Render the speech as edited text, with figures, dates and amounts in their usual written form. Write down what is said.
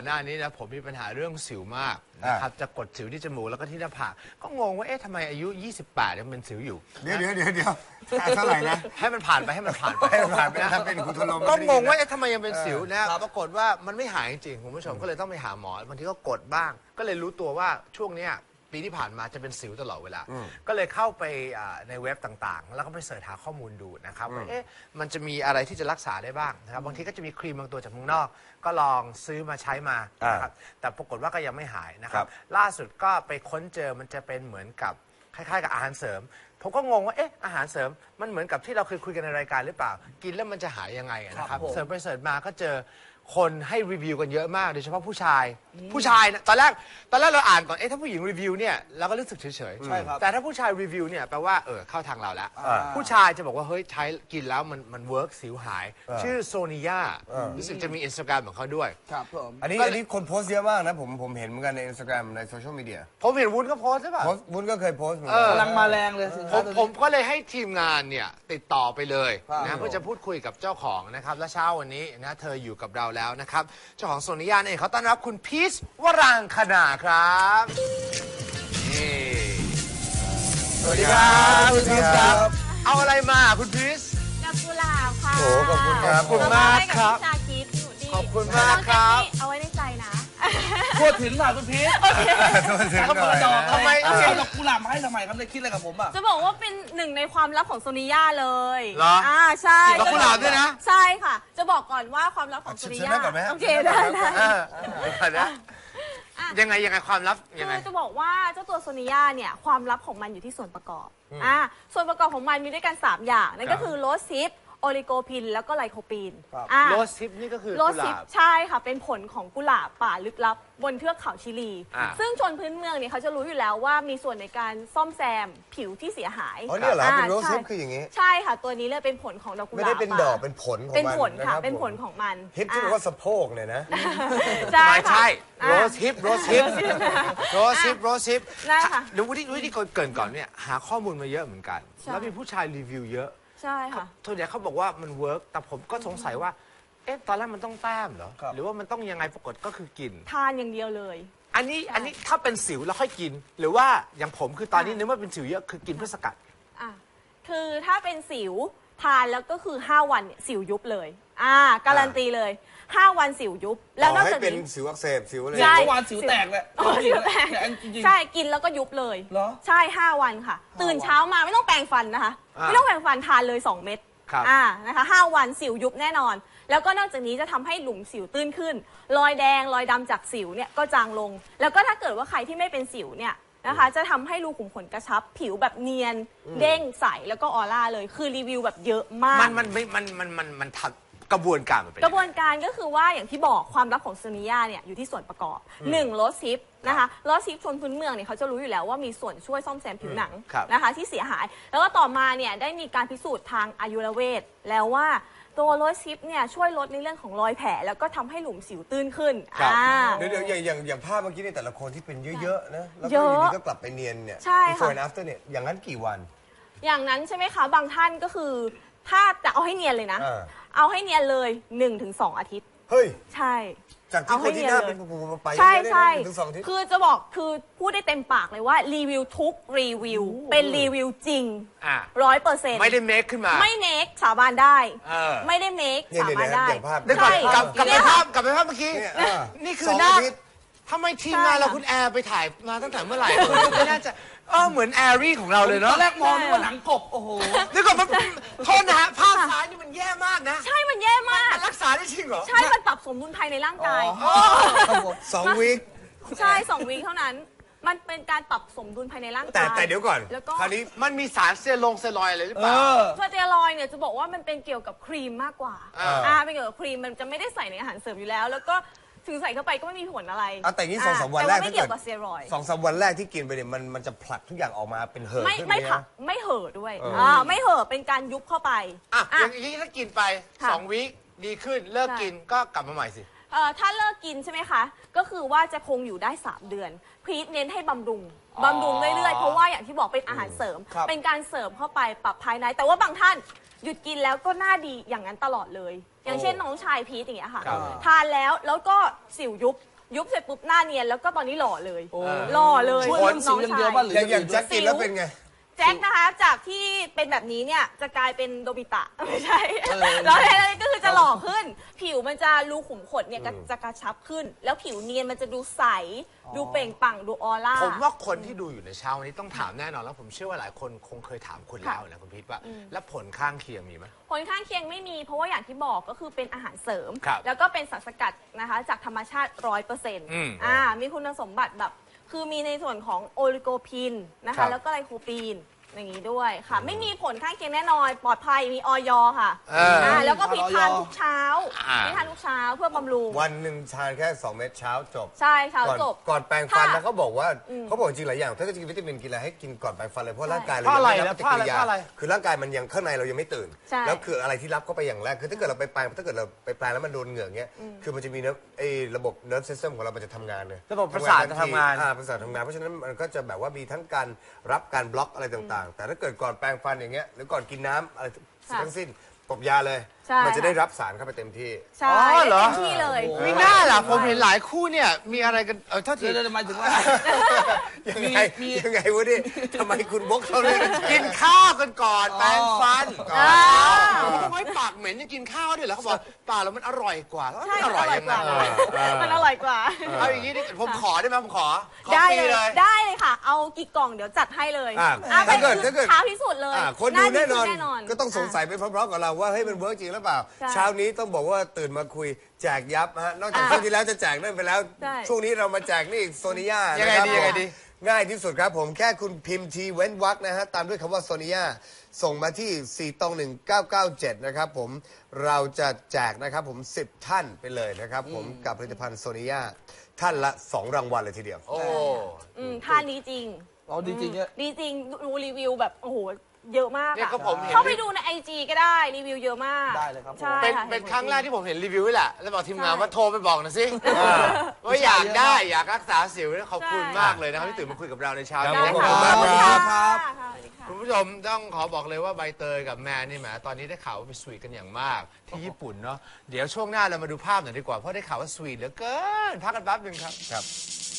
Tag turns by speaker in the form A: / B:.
A: หน้านี้นะผมมีปัญหาเรื่องสิวมากนะครับจะกดสิวที่จมูกแล้วก็ที่หน้าผากก็งงว่าเอ๊ะทำไมอายุ28ยังเป็นสิวอยู่
B: เดี๋ยวเท่าไหร่นะ
A: ให้มันผ่านไปให้มันผ่านไป
B: นะทำเป็นคุณทลม
A: ก็งงว่าเอ๊ะทำไมยังเป็นสิวนะปรากฏว่ามันไม่หายจริงๆคุณผู้ชมก็เลยต้องไปหาหมอบางทีก็กดบ้างก็เลยรู้ตัวว่าช่วงเนี้ยปีที่ผ่านมาจะเป็นสิวตลอดเวลาก็เลยเข้าไปในเว็บต่างๆแล้วก็ไปเสิร์ชหาข้อมูลดูนะครับว่าเอ๊ะมันจะมีอะไรที่จะรักษาได้บ้างนะครับบางทีก็จะมีครีมบางตัวจากเมืองนอกก็ลองซื้อมาใช้มานะครับแต่ปรากฏว่าก็ยังไม่หายนะครับล่าสุดก็ไปค้นเจอมันจะเป็นเหมือนกับคล้ายๆกับอาหารเสริมผมก็งงว่าเอ๊ะอาหารเสริมมันเหมือนกับที่เราเคยคุยกันในรายการหรือเปล่ากินแล้วมันจะหายยังไงนะครับเสิร์ชไปเสิร์ชมาก็เจอคนให้รีวิวกันเยอะมากโดยเฉพาะผู้ชายนะตอนแรกเราอ่านก่อนเอ๊ะถ้าผู้หญิงรีวิวเนี่ยเราก็รู้สึกเฉยๆใช่ครับแต่ถ้าผู้ชายรีวิวเนี่ยแปลว่าเข้าทางเราแล้วผู้ชายจะบอกว่าเฮ้ยใช้กินแล้วมันเวิร์กสิวหายชื่อโซนิยารู้สึกจะมี Instagram ของเขาด้วย
B: ครับผมอันนี้คนโพสต์เยอะมากนะผมเห็นเหมือนกันใน Instagram ในโซเชียลมีเดีย
A: ผมเห็นวุ้นก็โพสต์ใช่ป่ะ
B: วุ้นก็เคยโพสต์เหมือนกัน
C: กำลังมาแรงเลย
A: ผมก็เลยให้ทีมงานเนี่ยติดต่อไปเลยนะเพื่อจะพูดคุยกับเจ้าของนะครับและเช้าวันนี้นะเธออยู่กับเราแล้วนะครับเจ้าของโซนิยาเนี่ยเขาต้อนรับคุณพีชวรางคณาครับนี่สวัสดีครับคุณพีชครับเอาอะไรมาคุณพีช
D: ดอกกุหลาบค่ะ
B: โอ้ขอบคุณครับ
A: ขอบคุณมากครับขอบคุณมากครับ
D: เอาไว้ในใจนะ
C: พูดถึงหน่อยคุณพีชเขาเปิดดอกทำไมเอาดอกกุหลาบมาให้ทำไมครับเลยคิดอะไรกับผมอ่ะ
D: จะบอกว่าเป็นหนึ่งในความลับของโซนิยาเลย
A: เหรอ
D: ใช่
A: ดอกกุหลาบด้วยนะ
D: ใช่ค่ะจะบอกก่อนว่าความลับของโซนิยาโอเคได้
A: ยังไงความลับยังไง
D: จะบอกว่าเจ้าตัวโซนิยาเนี่ยความลับของมันอยู่ที่ส่วนประกอบส่วนประกอบของมันมีด้วยกัน3อย่างนั่นก็คือโรสซิปโอลิโกพินแล้วก็ไลโคปีน
A: โรสซิปนี่ก็คือ
D: โรสซิปใช่ค่ะเป็นผลของกุหลาบป่าลึกลับบนเทือกเขาชิลีซึ่งชนพื้นเมืองเนี่ยเขาจะรู้อยู่แล้วว่ามีส่วนในการซ่อมแซมผิวที่เสียหาย
B: อ๋อเนี่ยเหรอเป็นโรสซิปคืออย่างงี้
D: ใช่ค่ะตัวนี้เลยเป็นผลของดอกกุหลาบ
B: ไม่ได้เป็นดอกเป็นผลของมัน
D: เป็นผลค่ะเป็นผลของมัน
B: ฮิปที่บอกว่าสะโพกเนี่ยนะ
A: ไม่ใช่โรสซิป
D: ได้ค่ะ
A: เดี๋ยววิธีเกินก่อนเนี่ยหาข้อมูลมาเยอะเหมือนกันแล้วมีผู้ชายรีวิวเยอะ
D: ใช่ค่ะ
A: ส่วนใหญ่เขาบอกว่ามันเวิร์กแต่ผมก็สงสัยว่าเอ๊ะตอนแรกมันต้องแต้มเหรอหรือว่ามันต้องยังไงปรากฏก็คือกิน
D: ทานอย่างเดียวเลย
A: อันนี้ถ้าเป็นสิวแล้วค่อยกินหรือว่าอย่างผมคือตอนนี้นึกว่าเป็นสิวเยอะคือกินเพื่อสกัด
D: คือถ้าเป็นสิวทานแล้วก็คือ5 วันเนี่ยสิวยุบเลยการันตีเลย5 วันสิวยุบ
B: แล้วนอกจากนี้เป็นสิวอักเสบสิวอะไร
C: 5 วันสิวแตกเลย
D: สิวแตกใช่กินแล้วก็ยุบเลยใช่5 วันค่ะตื่นเช้ามาไม่ต้องแปรงฟันนะคะไม่ต้องแปรงฟันทานเลย2 เม็ดนะคะ5 วันสิวยุบแน่นอนแล้วก็นอกจากนี้จะทำให้หลุมสิวตื้นขึ้นรอยแดงรอยดำจากสิวเนี่ยก็จางลงแล้วก็ถ้าเกิดว่าใครที่ไม่เป็นสิวเนี่ยนะคะจะทำให้รูขุมขนกระชับผิวแบบเนียนเด้งใสแล้วก็ออร่าเลยคือรีวิวแบบเยอะมาก
A: มันทำกระบวนการ
D: กระบวนการก็คือว่าอย่างที่บอกความลับของโซนิยาเนี่ยอยู่ที่ส่วนประกอบ1โรสซิปนะคะโรสซิปชนพื้นเมืองเนี่ยเขาจะรู้อยู่แล้วว่ามีส่วนช่วยซ่อมแซมผิวหนังนะคะที่เสียหายแล้วก็ต่อมาเนี่ยได้มีการพิสูจน์ทางอายุรเวทแล้วว่าตัวโรสซิปเนี่ยช่วยลดในเรื่องของรอยแผลแล้วก็ทำให้หลุมสิวตื้นขึ้น
B: เดี๋ยวอย่างภาพเมื่อกี้ในแต่ละคนที่เป็นเยอะๆนะแล้วก็อยู่ดีก็กลับไปเนียนเนี่ย before and after เนี่ยอย่างนั้นกี่วัน
D: อย่างนั้นใช่ไหมคะบางท่านก็คือถ้าจะเอาให้เนียนเลยนะเอาให้เนียนเลย 1-2 อาทิตย์
B: เฮ้ย
D: ใช่
B: จากที่คนที่หน้าเป็นไป
D: ใช่คือจะบอกคือพูดได้เต็มปากเลยว่ารีวิวทุกรีวิวเป็นรีวิวจริง100%
A: ไม่ได้เมคขึ้นมา
D: ไม่เมคสาบานได้ไม่ได้เมคสาบานได้
A: ใช่กลับไปภาพเมื่อกี้นี่คือหน้าทำไมทีมงานเราคุณแอร์ไปถ่ายมาตั้งแต่เมื่อไหร่ไม่น่าจะเหมือนแอรี่ของเราเลยเนาะ
C: ตอนแรกมองว่าหนังกบโอ้โห
A: นี่ก่อนมันโทษนะฮะภาพซ้ายนี่มันแย่มากนะ
D: ใช่มันแย่มาก
A: รักษาได้จริงเหรอ
D: ใช่มันปรับสมดุลภายในร่างกาย
B: 2 วีค
D: ใช่2 วีคเท่านั้นมันเป็นการปรับสมดุลภายในร่างกาย
B: แต่เดี๋ยวก่อน
A: คราวนี้มันมีสารสเตียรอยด์อะไรหรือเปล่า
D: สเตียรอยด์เนี่ยจะบอกว่ามันเป็นเกี่ยวกับครีมมากกว่าเป็นเกี่ยวกับครีมมันจะไม่ได้ใส่ในอาหารเสริมอยู่แล้วแล้วก็ถึงใส่เข้าไปก็ไม่มีผลอะไร
B: แต่นี่2-3 วันแรก
D: ไม่เกี่ยวกับสเตียรอยด์
B: 2-3 วันแรกที่กินไปเนี่ยมันจะผลักทุกอย่างออกมาเป็นเห่อ
D: ไม่ผลักไม่เห่อด้วยไม่เห่อเป็นการยุบเข้าไป
A: อย่างนี้ถ้ากินไป2 วีคดีขึ้นเลิกกินก็กลับมาใหม่สิ
D: ถ้าเลิกกินใช่ไหมคะก็คือว่าจะคงอยู่ได้3 เดือนพีทเน้นให้บำรุงเรื่อยๆเพราะว่าอย่างที่บอกเป็นอาหารเสริมเป็นการเสริมเข้าไปปรับภายในแต่ว่าบางท่านหยุดกินแล้วก็หน้าดีอย่างนั้นตลอดเลยอย่างเช่นน้องชายพีทอย่างเงี้ยค่ะทานแล้วก็สิวยุบยุบเสร็จปุ๊บหน้าเนียนแล้วก็ตอนนี้หล่อเลยหล่อเลย
C: ช่วยเรื่องสิวอย่างเดียวป่ะหรือ
B: อย่างแจ็คกินแล้วเป็นไง
D: แจ็คนะคะจากที่เป็นแบบนี้เนี่ยจะกลายเป็นโดบิตะไม่ใช่แล้วอะไรก็คือจะหล่อขึ้น ผิวมันจะรูขุมขนเนี่ยจะกระชับขึ้น แล้วผิวเนียนมันจะดูใสดูเปล่งปลั่งดูออร่า
A: ผมว่าคนที่ดูอยู่ในเช้าวันนี้ต้องถามแน่นอนแล้วผมเชื่อว่าหลายคนคงเคยถามคุณแล้วนะคุณพีทว่าแล้วผลข้างเคียงมีไหม
D: ผลข้างเคียงไม่มีเพราะว่าอย่างที่บอกก็คือเป็นอาหารเสริมแล้วก็เป็นสารสกัดนะคะจากธรรมชาติ 100%มีคุณสมบัติแบบคือมีในส่วนของโอลิโกพินนะคะแล้วก็ไลโคปีนอย่างนี้ด้วยค่ะไม่มีผลข้างเคียงแน่นอนปลอดภัยมีออยค่ะแล้วก็พิทานทุกเช้าพิทานทุกเช้าเพื่อบำรุง
B: วันหนึ่งทานแค่2 เม็ดเช้าจบ
D: ใช่เช้าจบ
B: ก่อนแปรงฟันแล้วเขาบอกว่าจริงหลายอย่างถ้าจะกินวิตามินกินอะไรให้กินก่อนแปรงฟันเลยเพราะร่างกายเรา
A: ยังไม่รับปฏิกิริยา
B: คือร่างกายมันยังข้างในเรายังไม่ตื่นแล้วคืออะไรที่รับเข้าไปอย่างแรกคือถ้าเกิดเราไปแปรงถ้าเกิดเราไปแปรงแล้วมันโดนเหงื่อเงี้ยคือมันจะมีระบบ nerve system ของเรามันจะทำงานเลย
A: ระบบประสาทจะทำงาน
B: ประสาททำงานเพราะฉะนั้นมันก็จะแบบว่ามีทั้งการรับการบล็อกอะไรต่างๆแต่ถ้าเกิดก่อนแปรงฟันอย่างเงี้ยหรือก่อนกินน้ำอะไรทั้งสิ้นตบยาเลยมันจะได้รับสารเข้าไปเต็มที่
D: ใช่เต็มที่เลย
A: ไม่น่าล่ะผมเห็นหลายคู่เนี่ยมีอะไรกันเท่าที่
C: จะหมายถึงว่า
B: ยังไงวะดิทำไมคุณบกเขาเลย
A: กินข้าวกันก่อนแปรงฟันก่อนไม่ปากเหม็นยังกินข้าวด้วยเหรอเขาบอกปากแล้วมันอร่อยกว่าแล้วมันอร่อยยังไง
D: มันอร่อยกว่า
A: เอาอย่างนี้ผมขอได้ไหมผมขอ
D: ได้เลยได้เลยค่ะเอากี่กล่องเดี๋ยวจัดให้เลย
B: ถ้าเกิด
D: ท้าพิสูจน์เลย
B: คนดูแน่นอนก็ต้องสงสัยไปพร้อมๆกับเราว่าเฮ้ยมันเวิร์กจริงหรือเปล่าเช้านี้ต้องบอกว่าตื่นมาคุยแจกยับฮะนอกจากช่วงที่แล้วจะแจกนั่นไปแล้วช่วงนี้เรามาแจกนี่โซนิยา
A: ยังไงดี
B: ง่ายที่สุดครับผมแค่คุณพิมพ์ทีเว้นวรรคนะฮะตามด้วยคำว่าโซนิยาส่งมาที่41997นะครับผมเราจะแจกนะครับผม10 ท่านไปเลยนะครับผมกับผลิตภัณฑ์โซนิยาท่านละ2 รางวัลเลยทีเดียว
A: โอ้
D: ท่านนี้จริง
C: ดีจริง
D: ดีจริงดูรีวิวแบบโอ้โหเยอะมากเข้าไปดูใน IG ก็ได้รีวิวเยอะมาก
C: ได้เลยครับ
A: เป็นครั้งแรกที่ผมเห็นรีวิวนี่แหละแล้วบอกทีมงานว่าโทรไปบอกหน่อยสิว่าอยากได้อยากรักษาสิวขอบคุณมากเลยนะครับที่ตื่นมาคุยกับเราในเช้านี้
B: ขอบคุณมากครับ
A: คุณผู้ชมต้องขอบอกเลยว่าใบเตยกับแมนนี่แหมตอนนี้ได้ข่าวว่าไปสวีทกันอย่างมากที่ญี่ปุ่นเนาะเดี๋ยวช่วงหน้าเรามาดูภาพหน่อยดีกว่าเพราะได้ข่าวว่าสวีทเหลือเกินพักกันแป๊บนึงครับ